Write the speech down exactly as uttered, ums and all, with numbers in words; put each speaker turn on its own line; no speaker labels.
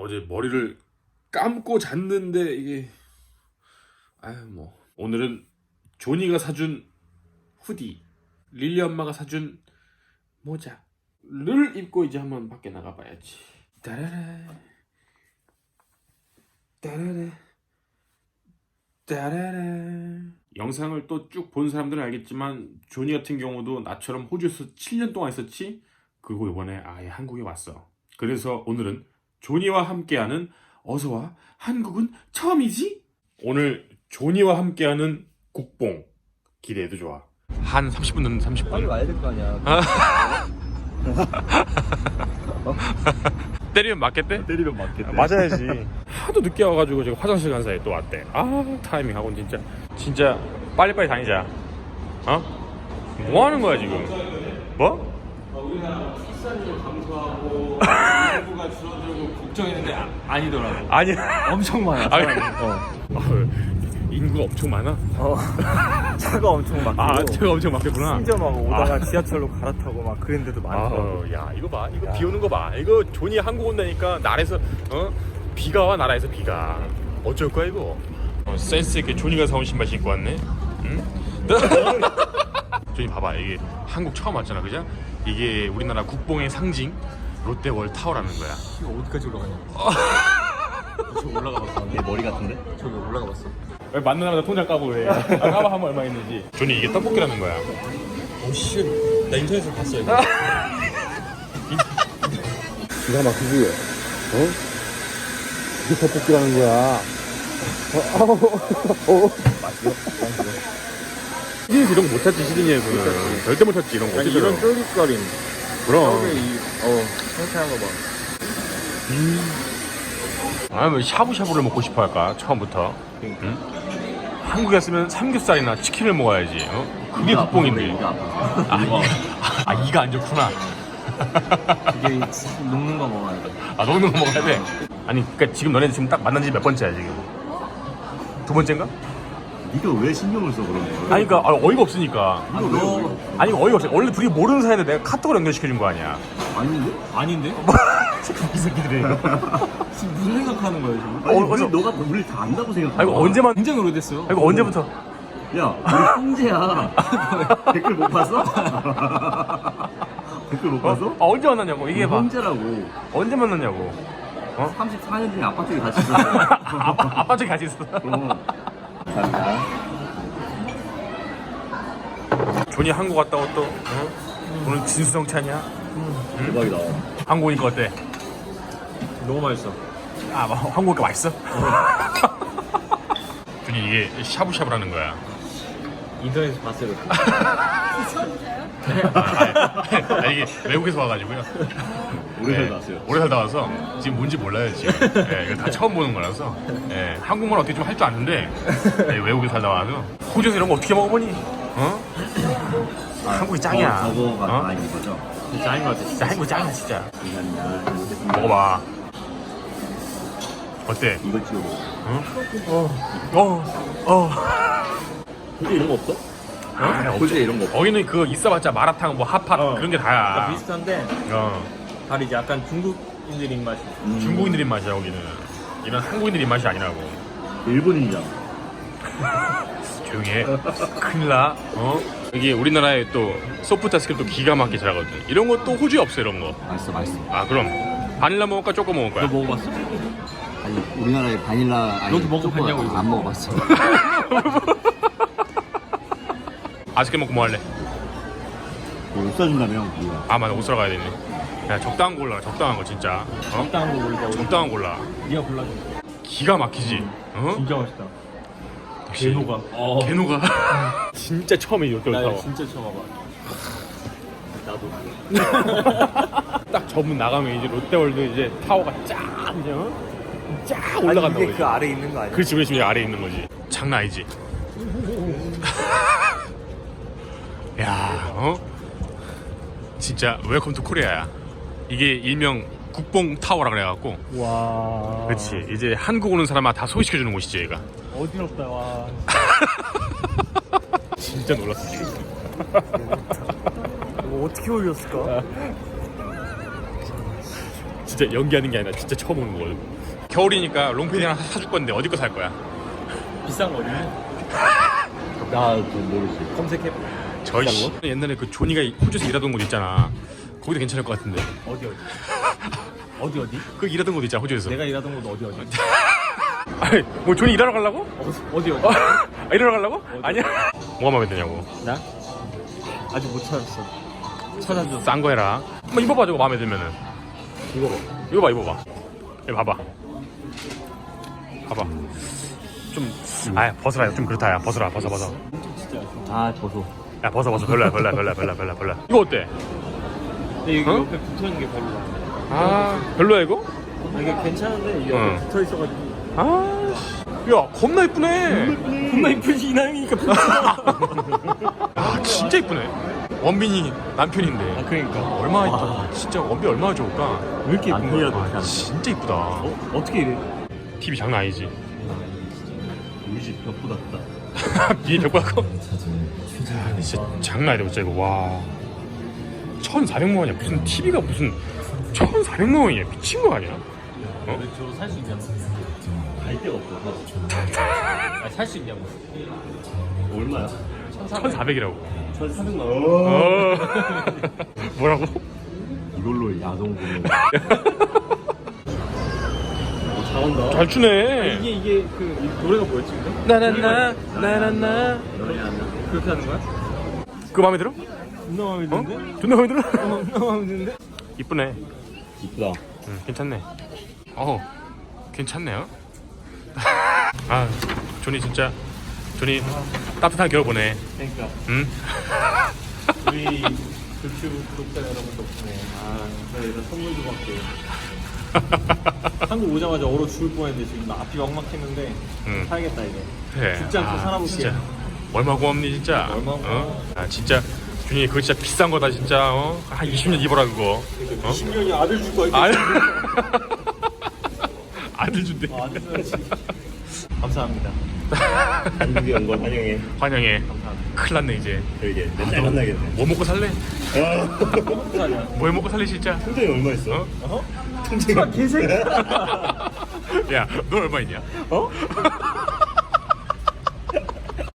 어제 머리를 감고 잤는데 이게 아유 뭐 오늘은 조니가 사준 후디, 릴리 엄마가 사준 모자를 입고 이제 한번 밖에 나가봐야지. 따라라 따라라 따라라. 영상을 또 쭉 본 사람들은 알겠지만 조니 같은 경우도 나처럼 호주에서 칠 년 동안 있었지. 그리고 이번에 아예 한국에 왔어. 그래서 오늘은 조니와 함께하는 어서와 한국은 처음이지? 오늘 조니와 함께하는 국뽕 기대해도 좋아. 한 삼십 분 늦는 삼십 분.
빨리 와야 될 거 아니야.
때리면 맞겠대?
때리면 맞겠대.
맞아야지. 하도 늦게 와가지고 제가 화장실 간 사이에 또 왔대. 아 타이밍하고는 진짜 진짜 빨리빨리 다니자. 어? 뭐 하는 거야 지금? 뭐?
우리나라 출산율 감소하고 인구가 줄어들고 걱정했는데 아, 아니더라고.
아니
엄청 많아.
아니,
사람이. 어.
어, 인구가 엄청 많아?
어. 차가 엄청 막히고.
아 차가 엄청 막혔구나.
심지어 막 오다가
아.
지하철로 갈아타고 막 그런 데도 많더라고.
아, 야 이거 봐 이거
야.
비 오는 거 봐. 이거 조니 한국 온다니까 나라에서 어 비가 와 나라에서 비가. 어쩔 거야 이거. 어, 센스 있게 조니가 사온 신발 신고 왔네. 응? 조니 봐봐 이게 한국 처음 왔잖아 그죠? 이게 우리나라 국뽕의 상징 롯데월 타워라는 거야.
이거 어디까지 올라가냐? 저기 올라가 봤어.
얘 머리 같은데?
저기 올라가 봤어.
왜 만나자마자 통장 까고 왜? 아, 까봐 한번 얼마 있는지. 조니 이게 떡볶이라는 거야.
오씨, 나 인터넷에서 봤어 이거.
기가 막히지? 어? 이게 떡볶이라는 거야. 어, 어, 어. 맛있어?
시드니에서 이런 거 못 찾지 시드니에서는. 절대 못 찾지 이런 거.
아니
어떻게
이런
들어?
쫄깃거림.
그럼.
처음에 이, 어, 상쾌한 거 봐.
아왜 샤브샤브를 먹고 싶어 할까 처음부터. 응? 한국에 왔으면 삼겹살이나 치킨을 먹어야지. 어? 그게 국뽕인데.
이가 아파.
아, 이, 아 이가 안 좋구나.
이게 녹는 거 먹어야 돼.
아 녹는 거 먹어야 돼. 아니 그러니까 지금 너네 지금 딱 만난 지 몇 번째야 지금? 두 번째인가?
네가 왜 신경을 써 그런 거?
아니 그러니까 아, 어이가 없으니까.
아, 너
아니 어이가 없어. 원래 둘이 모르는 사이인데 내가 카톡으로 연결시켜준 거 아니야.
아닌데?
아닌데?
이 새끼들이 이거.
지금 무슨 생각하는 거야 지금?
아니
어,
왜
어서-
너가 우리 다 안다고 생각해?
아 이거 언제만?
굉장히 오래됐어요.
아, 이거 언제부터?
야 우리 형제야. 댓글 못 봤어? 댓글 못 봤어?
아 언제 만났냐고 이게 봐.
형제라고.
언제 만났냐고. 어?
삼십사 년 중에 아빠 쪽에 같이 있었어.
아빠 아빠 쪽에 같이 있어.
그럼. 감사합니다.
존이 한국 갔다 왔또 어? 오늘 진수성찬이야?
대박이다.
한국 오니까 어때?
너무 맛있어.
아 뭐, 한국 오니까 맛있어? 존이 이게 샤브샤브라는 거야.
인터넷에서 봤어요.
아, 아, 이게 외국에서 와가지고요.
오래
네,
살다 왔어요.
오래 살다 와서 지금 뭔지 몰라요 지금. 네, 이거 다 처음 보는 거라서. 네, 한국말 어떻게 좀 할 줄 아는데 네, 외국에 살다 와서 호주에서 이런 거 어떻게 먹어보니? 어? 한국이 짱이야.
어, 저거가
어?
아닌 거죠?
짱인 것 같아. 진짜 한국이 짱이야 진짜.
감사합니다. 잘 먹겠습니다.
먹어봐. 어때?
이거 찍어 먹어.
어? 어? 어?
호주에 이런 거 없어?
어?
호주에 이런 거 없어?
거기는 그거 있어봤자 마라탕 뭐 핫팟
어.
그런 게 다야.
비슷한데
어.
다리 이제 약간 중국인들 입맛이.
음.
중국인들 입맛이야 거기는. 이런 한국인들 입맛이 아니라고.
일본인이잖아.
조용히 해. 큰일 나. 어? 여기 우리나라에 또 소프트 아이스크림도 기가 막히게 잘하거든. 이런 거 또 호주에 없어 이런 거.
맛있어, 맛있어.
아 그럼 바닐라 먹을까 초코 먹을 거야?
너 먹어봤어?
아니, 우리나라에 바닐라 아니,
너도 먹어봤냐고,
초코
이거?
안 먹어봤어.
아이스크림 먹고 뭐 할래?
뭐 없어진다며, 우리가.
아 맞아 옷 사러 가야 되네. 야 적당한 거 골라. 적당한 거 진짜. 어?
적당한 거 골라.
적당한 거 골라.
네가 골라줘.
기가 막히지. 어?
진짜 맛있다.
역시.
개노가. 어.
개노가. 진짜 처음에 롯데
나
타워.
이거 진짜 처음 와봐.
나도.
딱 저문 나가면 이제 롯데월드 이제 타워가 쫙 이제 어? 쫙 올라간다고.
이게 그 아래 있는 거 아니야?
그렇지 그렇지 여기 아래에 있는 거지. 장난 아니지. 야, 어? 진짜 웰컴 투 코리아야. 이게 일명 국뽕 타워라 그래갖고.
와.
그렇지. 이제 한국 오는 사람아 다 소개시켜주는 곳이지 얘가.
어지럽다 와.
진짜 놀랐어 지금.
이거 어떻게 올렸을까?
진짜 진짜 연기하는 게 아니라 진짜 처음 오는 거거든. 겨울이니까 롱패딩 하나 사줄 건데 어디 거 살 거야?
비싼 거 어디?
나좀 모르지.
검색해.
저희 씨, 옛날에 그 조니가 호주에서 일하던 곳 있잖아. 거기도 괜찮을 것 같은데.
어디 어디? 어디 어디?
그 일하던 곳 있잖아 호주에서.
내가 일하던 곳 어디 어디?
아니 뭐 조니 일하러 가려고?
어디 어디?
아, 일하러 가려고? 아니야. 뭐가 마음에 드냐고.
나? 아직 못 찾았어. 찾아줘.
싼 거 해라. 한번 입어봐 저거 마음에 들면은.
이거 봐.
이거 봐 입어봐. 이거 봐봐. 봐봐. 좀, 아 벗어라 좀 그렇다 야 벗어라 벗어 벗어.
아 벗어.
야 벗어 벗어 별로야 별로야 별로야 별로야 별로야 별로야. 이거 어때?
근데 여기
어?
옆에 붙어 있는 게 별로야.
아 별로야 이거?
아, 이게 괜찮은데 이게
응.
옆에 붙어 있어가지고.
아, 야 겁나 이쁘네.
겁나 이쁘지 이나영이니까
아 진짜 이쁘네. 원빈이 남편인데.
아 그러니까.
얼마나 이쁘? 진짜 원빈 얼마나 좋을까?
왜 이렇게 예쁜
남편이라도
거야?
그렇게 하는
진짜 이쁘다.
어? 어떻게 이래?
티비 장난 아니지.
우리 집 벽보다 크다.
비에 벽보다 커. 아, 진짜 장난 아니다 진짜 이거 와. 천사백만 원이야. 무슨 티비가 무슨 천사백만 원이야. 미친 거 아니야? 어?
저거 살 수 있냐고.
갈 데가 없어.
아니 살 수 있냐고.
얼마야?
천사백이라고.
천사백만 원.
어. 뭐라고?
이걸로 야동보는. 어, 잘한다.
잘 추네.
이게 이게 그 이 노래가 뭐였지 근데?
나나나 나나나.
너네 하나.
그렇게 하는 거야?
그거 마음에 들어?
존나 마음에
어?
드는데?
존나 마음에 들어?
어, 존나 마음에 드는데?
이쁘네.
이쁘다.
응, 괜찮네. 어, 괜찮네요. 아, 조니 진짜 조니 따뜻한 겨울 보내.
그러니까
응?
우리 유튜브 구독자 여러분 덕분에 아 저희가 선물도 받고 한국 오자마자 얼어 죽을 뻔했는데 지금 나 앞이 막막했는데
응.
사야겠다 이제.
그래.
죽지 않고 살아볼게.
진짜 얼마 고맙니 진짜.
얼마 고마워.
어? 아 진짜 조니 그거 진짜 비싼 거다 진짜. 어? 한 이십 년 입어라 그거. 어?
이십 년이 아들 줄 거야.
아, 아들 준대.
아, 아들 줘야지. 감사합니다.
한국에 온 걸 환영해.
환영해.
감사합니다.
큰일 났네 이제.
그러게. 맨날 만나겠네.
뭐 먹고 살래?
감사합니다.
뭐 해 먹고 살래 진짜?
통장에 얼마 있어?
어?
어?
통장에
개새끼.
야, 너 얼마 있냐?
어?